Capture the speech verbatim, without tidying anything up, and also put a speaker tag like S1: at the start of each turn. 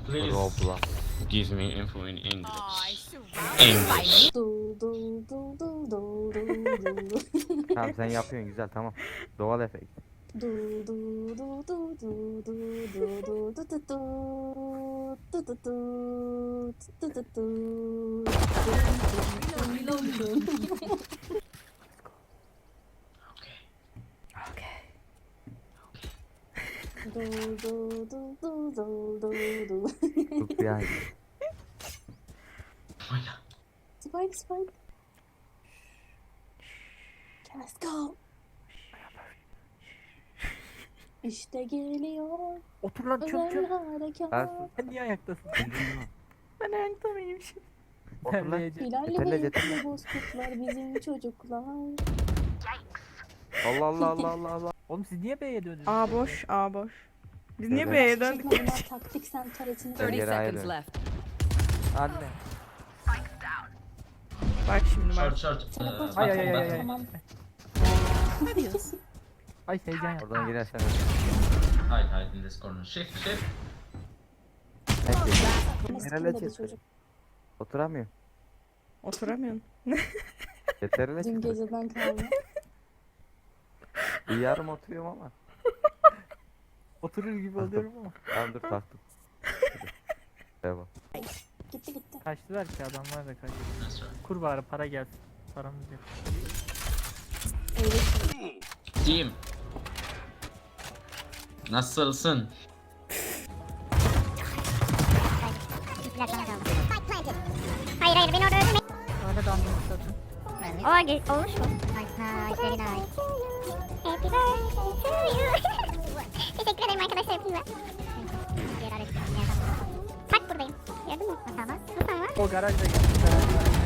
S1: Please
S2: Roblox.
S1: give me info in English. English.
S3: Dul dul dul dul dul dul dul.
S2: Tamam sen yapıyorsun güzel tamam. Doğal efekt.
S3: Dul dul dul dul dul dul dul dul du du du. Du du du. Du du du. Dum, dum, dum, dum.
S1: Okay.
S3: Dul dul dul dul dul dul dul.
S2: Çok yani.
S1: Oyna.
S3: Spike spike. Let's go. İşte geliyor
S4: Otur lan çöp
S3: özel
S4: çöp.
S3: harekat.
S2: Ersin.
S4: Sen niye ayaktasın?
S2: Otur
S4: Ben ayakta mıyım şimdi?
S2: lan.
S4: Terleyeceğim.
S3: Hilal'le
S2: Yeterli,
S3: ve
S2: yeterli.
S3: Ekli bozkurtlar bizim çocuklar.
S2: Allah Allah Allah Allah Allah.
S4: Oğlum siz niye B'ye döndünüz?
S5: A boş, A boş. Biz niye
S2: Evet.
S5: B'ye döndük?
S3: Çekme bunlar taktik sen taretini.
S2: Ben
S6: thirty
S2: geri
S6: seconds
S2: ayrılıyorum.
S6: left.
S4: Anne.
S5: Bak şimdi
S1: Short,
S5: bak.
S1: short.
S3: Teleport
S1: Uh,
S4: Ay,
S3: var,
S4: ay, ay, ay,
S1: button,
S4: ay.
S3: tamam.
S4: Ay heyecan yap.
S2: Oradan girersen
S1: button. Hide, hide in this corner. Shift, shift.
S2: Peki.
S3: Ama
S2: Nereye
S3: sıkılmadı
S2: çıktı?
S3: çocuk.
S2: Oturamıyor.
S5: Oturamıyorsun.
S2: Yeterli
S3: Dün
S2: çıktı.
S3: geceden kalma.
S2: Bir yarım oturuyorum ama.
S4: Oturur gibi oluyorum ama.
S2: Tamam dur taktım. Devam.
S3: Gitti gitti.
S4: Kaçtılar ki adamlar da kaçtı.
S1: That's right.
S4: Kur bari para gelsin. Paramız yok.
S3: Öyle.
S1: Team. Nasılsın?
S7: Hayır hayır beni orada öldürme.
S4: Öyle dandırmış zaten.
S7: Oha ge- olmuş mu? Nice nice very nice. Happy birthday to you. Teşekkür ederim arkadaşlar hepinize. Diğer araçlarım yerden. Bak buradayım. Gördün mü? Tamam. Nasıl ama?
S4: O garajda geldi. Garajda.